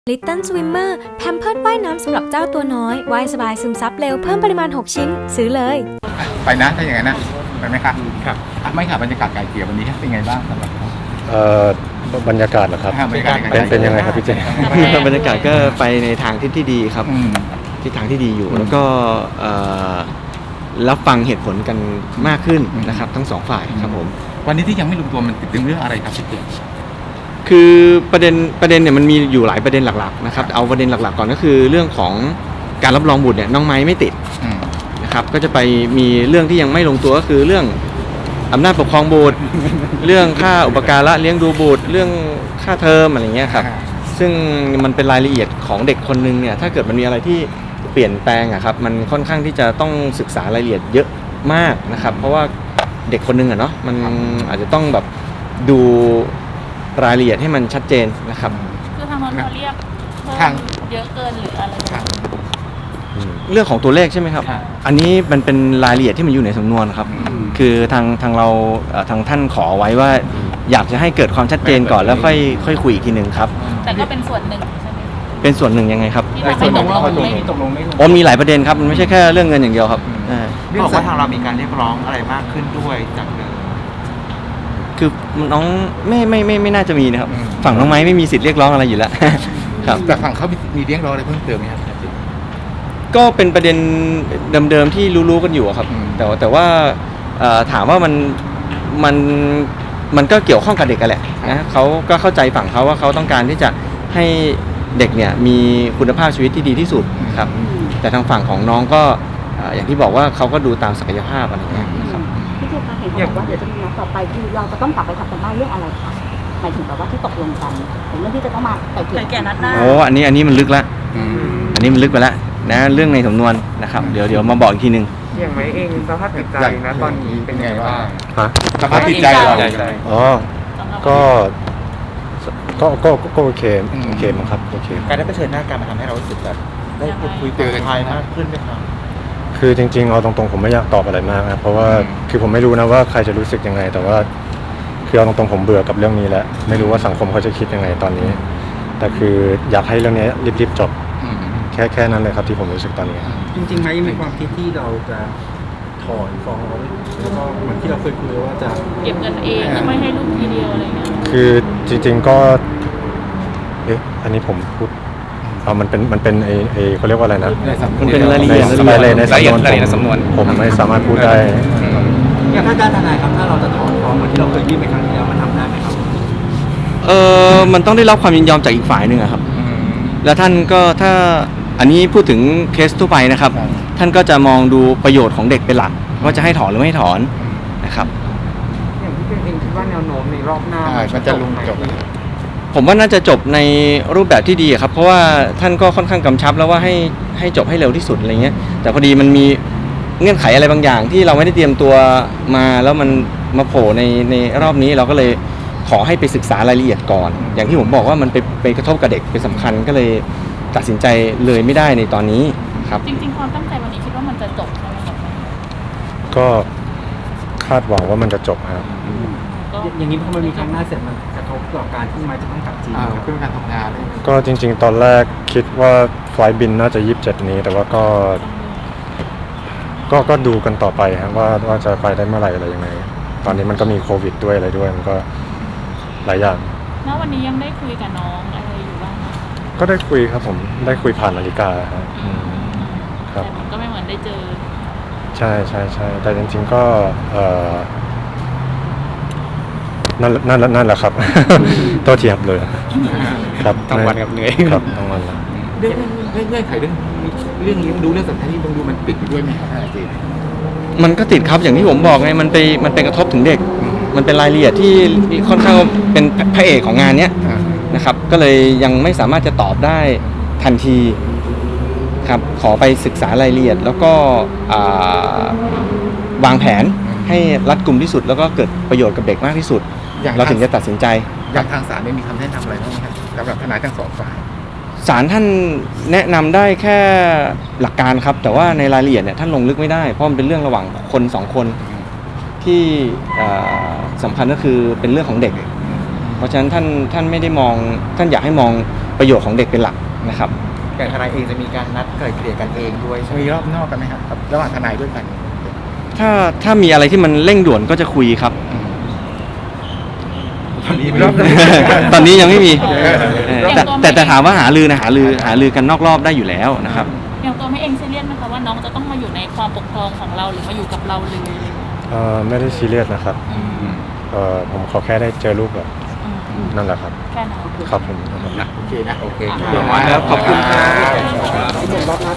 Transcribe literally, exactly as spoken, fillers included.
Little Swimmer แพมเพิร์สว่ายน้ำสำหรับเจ้าตัวน้อยว่ายสบายซึมซับเร็วเพิ่มปริมาณหกชิ้นซื้อเลยไปนะถ้าอย่างนั้นนะไปไหมครับครับไม่ค่ะบรรยากาศไก่เกลี่ยวันนี้เป็นไงบ้างสำหรับเอ่อบรรยากาศเหรอครับบรรยากาศเป็นเป็นยังไงครับพี่เจบรรยากาศก็ไปในทางที่ที่ดีครับที่ทางที่ดีอยู่แล้วก็รับฟังเหตุผลกันมากขึ้นนะครับทั้งสองฝ่ายครับผมวันนี้ที่ยังไม่ลงตัวมันติดเรื่องอะไรครับพี่เจคือประเด็นประเด็นเนี่ยมันมีอยู่หลายประเด็นหลักๆนะครับเอาประเด็นหลักๆก่อนก็คือเรื่องของการรับรองบุตรเนี่ยน้องไม้ไม่ติดนะครับก็จะไปมีเรื่องที่ยังไม่ลงตัวก็คือเรื่องอำนาจปกครองบุตร เรื่องค่าอุปการะเลี้ยงดูบุตรเรื่องค่าเทอมอะไรเงี้ยครับซึ่งมันเป็นรายละเอียดของเด็กคนนึงเนี่ยถ้าเกิดมันมีอะไรที่เปลี่ยนแปลงอะครับมันค่อนข้างที่จะต้องศึกษารายละเอียดเยอะมากนะครับเพราะว่าเด็กคนนึงอะเนาะมันอาจจะต้องแบบดูรายละเอียดให้มันชัดเจนนะครับคือทางนั้นเขาเรียกเพิ่มเยอะเกินหรืออะไรเรื่องของตัวเลขใช่ไหมครับอันนี้มันเป็นรายละเอียดที่มันอยู่ในสำนวนครับคือทางทางเราทางท่านขอไว้ว่าอยากจะให้เกิดความชัดเจนก่อนแล้วค่อยค่อยคุยอีกทีหนึ่งครับแต่ก็เป็นส่วนหนึ่งใช่ไหมเป็นส่วนหนึ่งยังไงครับที่เราไม่ตกลงไม่ตกลงไม่อ๋อมีหลายประเด็นครับมันไม่ใช่แค่เรื่องเงินอย่างเดียวครับบอกว่าทางเรามีการเรียกร้องอะไรมากขึ้นด้วยจากเดิมคือน้องไม่ไม่ไม่ไม่น่าจะมีนะครับฝั่งน้องไม้ไม่มีสิทธิ์เรียกร้องอะไรอยู่แล้วครับแต่ฝั่งเขามีเรียกร้องอะไรเพิ่มเติมไหมครับก็เป็นประเด็นเดิมๆที่รู้ๆกันอยู่ครับแต่แต่ว่าถามว่ามันมันมันก็เกี่ยวข้องกับเด็กกันแหละนะเขาก็เข้าใจฝั่งเขาว่าเขาต้องการที่จะให้เด็กเนี่ยมีคุณภาพชีวิตที่ดีที่สุดครับแต่ทางฝั่งของน้องก็อย่างที่บอกว่าเขาก็ดูตามศักยภาพอะไรเงี้ยนะครับพี่เจคะเห็นบอกว่าเดี๋ยวจะมีนัดต่อไปคือเราจะต้องกลับไปทำกันบ้านเรื่องอะไรคะหมายถึงแบบว่าที่ตกลงกันถึงเรื่องที่จะต้องมาไก่เกลี่ยนัดหน้าโอ้อันนี้อันนี้มันลึกละอันนี้มันลึกไปแล้วนะเรื่องในสำนวนนะครับเดี๋ยวเดี๋ยวมาบอกอีกทีนึงอย่างไรเองสภาพจิตใจนะตอนนี้เป็นไงบ้างฮะสภาพจิตใจเราอ๋อก็ก็ก็ก็โอเคโอเคมั้งครับโอเคการได้เผชิญหน้ากันมาทำให้เรารู้สึกแบบได้พูดคุยเจอกันมากขึ้นไหมครับคือจริงๆเอาตรงๆผมไม่อยากตอบอะไรมากนะเพราะว่าคือผมไม่รู้นะว่าใครจะรู้สึกยังไงแต่ว่าคือเอาตรงๆผมเบื่อกับเรื่องนี้แล้วไม่รู้ว่าสังคมเขาจะคิดยังไงตอนนี้แต่คืออยากให้เรื่องนี้รีบๆจบแค่แค่นั้นเลยครับที่ผมรู้สึกตอนนี้จริงๆไหมมีความคิดที่เราจะถอนฟ้องแล้วก็เหมือนที่เราเคยคุยว่าจะเก็บเงินเองไม่ให้ลูกทีเดียวอะไรเงี้ยคือจริงๆก็เอ๊ะอันนี้ผมพูดเอามันเป็นมันเป็นไอไอเขาเรียกว่าอะไรนะมันเป็นรายละเอียดในรายละเอียดในสำนวนผมไม่สามารถพูดได้อย่างถ้าการทนายครับถ้าเราจะถอนฟ้องเหมือนที่เราเคยยื่นไปครั้งที่แล้วมันทำได้ไหมครับเออมันต้องได้รับความยินยอมจากอีกฝ่ายหนึ่งครับแล้วท่านก็ถ้าอันนี้พูดถึงเคสทั่วไปนะครับท่านก็จะมองดูประโยชน์ของเด็กเป็นหลักว่าจะให้ถอนหรือไม่ถอนนะครับอย่างที่เป็นเองคิดว่าแนวโน้มในรอบหน้ามันจะลงจบผมว่าน่าจะจบในรูปแบบที่ดีครับเพราะว่าท่านก็ค่อนข้างกำชับแล้วว่าให้ให้จบให้เร็วที่สุดอะไรเงี้ยแต่พอดีมันมีเงื่อนไขอะไรบางอย่างที่เราไม่ได้เตรียมตัวมาแล้วมันมาโผล่ในในรอบนี้เราก็เลยขอให้ไปศึกษารายละเอียดก่อนอย่างที่ผมบอกว่ามันไปไปกระทบกับเด็กเป็นสำคัญก็เลยตัดสินใจเลยไม่ได้ในตอนนี้ครับจริงๆความตั้งใจวันนี้คิดว่ามันจะจบใช่ไหมครับก็คาดหวังว่ามันจะจบครับอย่างนี้พอมันมีครั้งหน้าเสร็จมันกระทบต่อการที่มาจะต้องกลับจีนเพื่อการทำงานก็จริงๆตอนแรกคิดว่าไฟล์บินน่าจะยี่สิบเจ็ดนี้แต่ว่าก็ก็ก็ดูกันต่อไปครับว่าว่าจะไปได้เมื่อไหร่อะไรยังไงตอนนี้มันก็มีโควิดด้วยอะไรด้วยมันก็หลายอย่างณวันนี้ยังได้คุยกับน้องอะไรอยู่บ้างไหมก็ได้คุยครับผมได้คุยผ่านนาฬิกาครับครับแต่มันก็ไม่เหมือนได้เจอใช่ใช่ใช่แต่จริงๆก็เอ่อนั่นนั่นนั่นแหละครับโทษทีครับเลยครับทั้งวันกับเหนื่อยครับทั้งวันแล้วเรื่องเรื่องเงื่อนไขเรื่องเรื่องเลี้ยงดูเรื่องสัญชาติต้องดูมันติดด้วยไหมครับอาจารย์มันก็ติดครับอย่างที่ผมบอกไงมันไปมันเป็นกระทบถึงเด็กมันเป็นรายละเอียดที่ค่อนข้างเป็นพระเอกของงานเนี้ยนะครับก็เลยยังไม่สามารถจะตอบได้ทันทีครับขอไปศึกษารายละเอียดแล้วก็วางแผนให้รัดกุมที่สุดแล้วก็เกิดประโยชน์กับเด็กมากที่สุดเราถึงจะตัดสินใจอย่างทางศาลไม่มีคำแนะนำอะไรบ้างไหมครับสำหรับทนายทั้งสองฝ่ายศาลท่านแนะนำได้แค่หลักการครับแต่ว่าในรายละเอียดเนี่ยท่านลงลึกไม่ได้เพราะมันเป็นเรื่องระหว่างคนสองคนที่สำคัญก็คือเป็นเรื่องของเด็กเพราะฉะนั้นท่านท่านไม่ได้มองท่านอยากให้มองปประโยชน์ของเด็กเป็นหลักนะครับอย่างทนายเองจะมีการนัดไกล่เกลี่ยกันเองด้วยใช่ไหมมีรอบนอกกันไหมครับระหว่างทนายด้วยกันถ้าถ้ามีอะไรที่มันเร่งด่วนก็จะคุยครับตอนนี้รอบตอนนี้ยังไม่มีเออเออแต่แต่แต่ถามว่าหาลือนะหาลือหาลือกันนอกรอบได้อยู่แล้วนะครับอย่างตัวแม่เองซีเรียสไหมคะว่าน้องจะต้องมาอยู่ในความปกครองของเราหรือมาอยู่กับเราเลยเอ่อไม่ได้ซีเรียสนะครับอืมเอ่อผมขอแค่ได้เจอลูกแบบอืมนั่นแหละครับแค่นั้นครับผมโอเคนะโอเคครับขอบคุณครับ